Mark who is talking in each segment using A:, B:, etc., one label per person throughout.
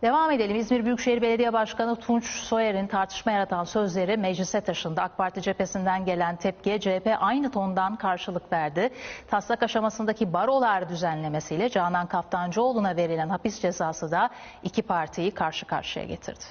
A: Devam edelim. İzmir Büyükşehir Belediye Başkanı Tunç Soyer'in tartışma yaratan sözleri meclise taşındı. AK Parti cephesinden gelen tepkiye CHP aynı tondan karşılık verdi. Taslak aşamasındaki barolar düzenlemesiyle Canan Kaftancıoğlu'na verilen hapis cezası da iki partiyi karşı karşıya getirdi.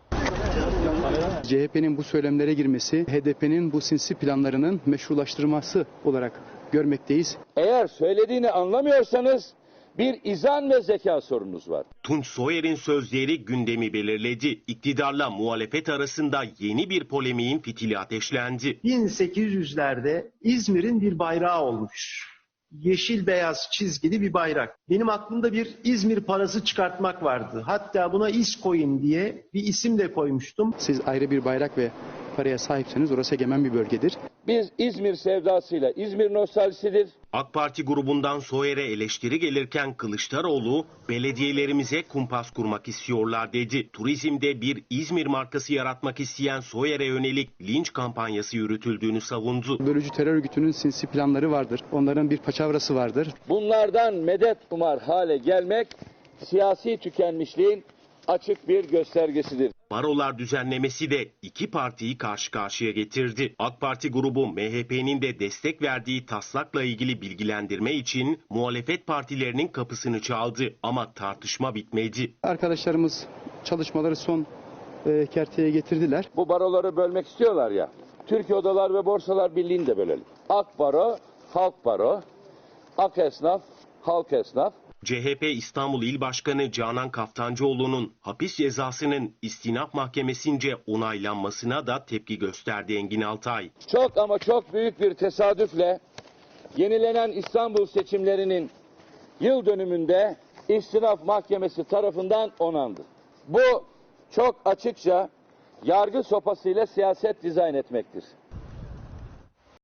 B: CHP'nin bu söylemlere girmesi, HDP'nin bu sinsi planlarının meşrulaştırması olarak görmekteyiz.
C: Eğer söylediğini anlamıyorsanız bir izan ve zeka sorununuz var.
D: Tunç Soyer'in sözleri gündemi belirledi. İktidarla muhalefet arasında yeni bir polemiğin fitili ateşlendi.
E: 1800'lerde İzmir'in bir bayrağı olmuş. Yeşil beyaz çizgili bir bayrak. Benim aklımda bir İzmir parası çıkartmak vardı. Hatta buna İzcoin diye bir isim de koymuştum.
B: Siz ayrı bir bayrak ve paraya sahipseniz orası egemen bir bölgedir.
C: Biz İzmir sevdasıyla, İzmir nostaljisidir.
D: AK Parti grubundan Soyer'e eleştiri gelirken Kılıçdaroğlu, belediyelerimize kumpas kurmak istiyorlar dedi. Turizmde bir İzmir markası yaratmak isteyen Soyer'e yönelik linç kampanyası yürütüldüğünü savundu.
B: Bölücü terör örgütünün sinsi planları vardır. Onların bir paçavrası vardır.
C: Bunlardan medet umar hale gelmek siyasi tükenmişliğin açık bir göstergesidir.
D: Barolar düzenlemesi de iki partiyi karşı karşıya getirdi. AK Parti grubu MHP'nin de destek verdiği taslakla ilgili bilgilendirme için muhalefet partilerinin kapısını çaldı ama tartışma bitmedi.
B: Arkadaşlarımız çalışmaları son kerteye getirdiler.
C: Bu baroları bölmek istiyorlar ya. Türkiye Odalar ve Borsalar Birliği'ni de bölelim. AK Baro, Halk Baro, AK Esnaf, Halk Esnaf.
D: CHP İstanbul İl Başkanı Canan Kaftancıoğlu'nun hapis cezasının istinaf mahkemesince onaylanmasına da tepki gösterdi Engin Altay.
C: Çok ama çok büyük bir tesadüfle yenilenen İstanbul seçimlerinin yıl dönümünde istinaf mahkemesi tarafından onandı. Bu çok açıkça yargı sopasıyla siyaset dizayn etmektir.